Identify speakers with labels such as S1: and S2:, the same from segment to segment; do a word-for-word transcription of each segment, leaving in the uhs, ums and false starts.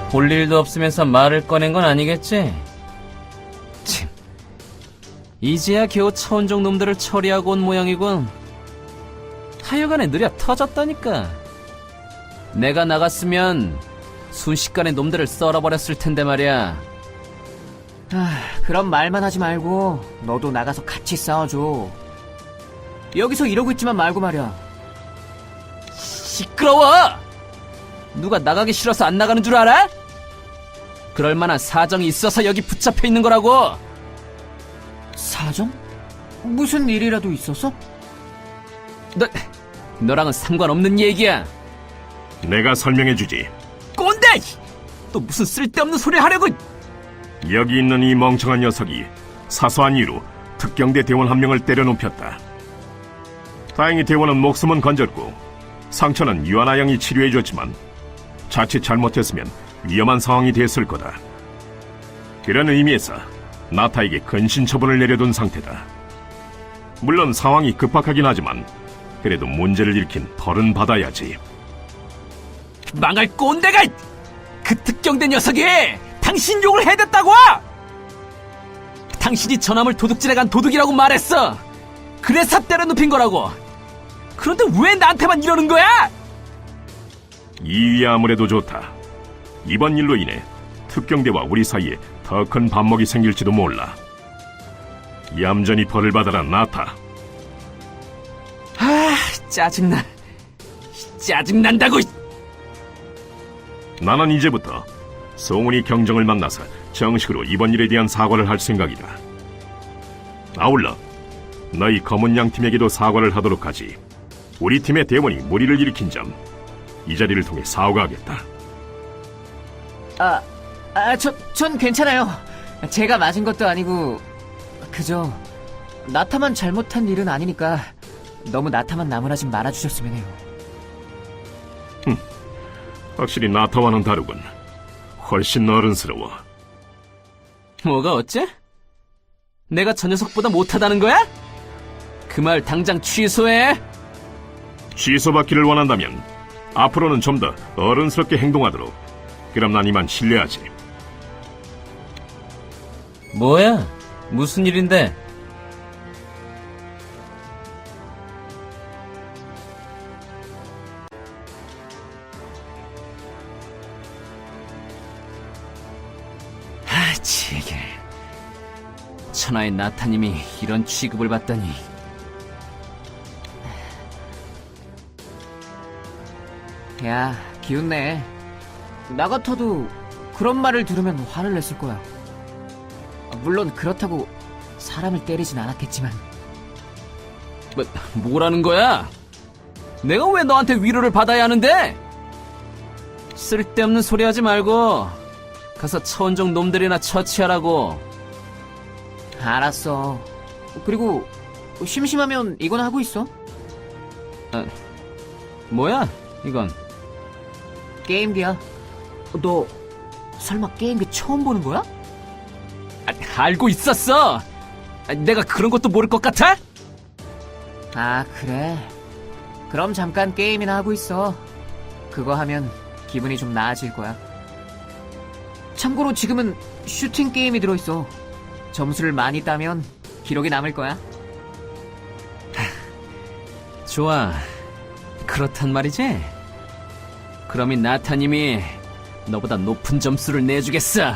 S1: 볼 일도 없으면서 말을 꺼낸 건 아니겠지? 참, 이제야 겨우 차원종 놈들을 처리하고 온 모양이군. 하여간에 느려 터졌다니까. 내가 나갔으면 순식간에 놈들을 썰어버렸을 텐데 말이야.
S2: 아, 그럼 말만 하지 말고 너도 나가서 같이 싸워줘. 여기서 이러고 있지만 말고 말이야.
S1: 시끄러워! 누가 나가기 싫어서 안 나가는 줄 알아? 그럴 만한 사정이 있어서 여기 붙잡혀 있는 거라고.
S2: 사정? 무슨 일이라도 있었어?
S1: 너, 너랑은 상관없는 얘기야.
S3: 내가 설명해주지.
S1: 꼰대! 또 무슨 쓸데없는 소리 하려고.
S3: 여기 있는 이 멍청한 녀석이 사소한 이유로 특경대 대원 한 명을 때려눕혔다. 다행히 대원은 목숨은 건졌고 상처는 유아나 양이 치료해줬지만 자칫 잘못했으면 위험한 상황이 됐을 거다. 그런 의미에서 나타에게 근신 처분을 내려둔 상태다. 물론 상황이 급박하긴 하지만 그래도 문제를 일으킨 벌은 받아야지.
S1: 망할 꼰대가! 그 특경대 녀석이 당신 욕을 해댔다고! 당신이 저남을 도둑질해간 도둑이라고 말했어. 그래서 때려눕힌 거라고. 그런데 왜 나한테만 이러는 거야?
S3: 이위 아무래도 좋다. 이번 일로 인해 특경대와 우리 사이에 더 큰 반목이 생길지도 몰라. 얌전히 벌을 받아라, 나타.
S1: 아, 짜증나. 짜증난다고.
S3: 나는 이제부터 송은이 경정을 만나서 정식으로 이번 일에 대한 사과를 할 생각이다. 아울러 너희 검은 양 팀에게도 사과를 하도록 하지. 우리 팀의 대원이 무리를 일으킨 점, 이 자리를 통해 사과하겠다.
S2: 아, 아, 저, 전 괜찮아요. 제가 맞은 것도 아니고 그저 나타만 잘못한 일은 아니니까 너무 나타만 나무라지 말아주셨으면 해요.
S3: 확실히 나타와는 다르군. 훨씬 어른스러워.
S1: 뭐가 어째? 내가 저 녀석보다 못하다는 거야? 그 말 당장 취소해.
S3: 취소받기를 원한다면 앞으로는 좀 더 어른스럽게 행동하도록. 그럼 난 이만 실례하지.
S1: 뭐야? 무슨 일인데? 아, 지게. 천하의 나타님이 이런 취급을 받다니.
S2: 야, 기운내. 나 같아도 그런 말을 들으면 화를 냈을 거야. 물론 그렇다고 사람을 때리진 않았겠지만.
S1: 뭐, 뭐라는 거야? 내가 왜 너한테 위로를 받아야 하는데? 쓸데없는 소리 하지 말고 가서 차원종 놈들이나 처치하라고.
S2: 알았어. 그리고 심심하면 이건 하고 있어.
S1: 아, 뭐야 이건?
S2: 게임기야. 너 설마 게임기 처음 보는 거야?
S1: 아, 알고 있었어. 아, 내가 그런 것도 모를 것 같아?
S2: 아, 그래. 그럼 잠깐 게임이나 하고 있어. 그거 하면 기분이 좀 나아질 거야. 참고로 지금은 슈팅 게임이 들어있어. 점수를 많이 따면 기록이 남을 거야.
S1: 좋아. 그렇단 말이지? 그럼 이 나타님이 너보다 높은 점수를 내주겠어.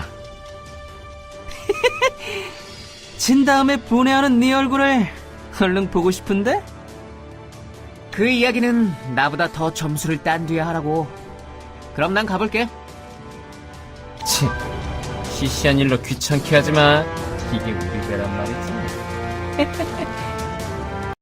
S1: 진 다음에 분해하는 네 얼굴을 얼른 보고 싶은데?
S2: 그 이야기는 나보다 더 점수를 딴 뒤에 하라고. 그럼 난 가볼게.
S1: 치, 시시한 일로 귀찮게 하지 마. 이게 우리 배란 말이지.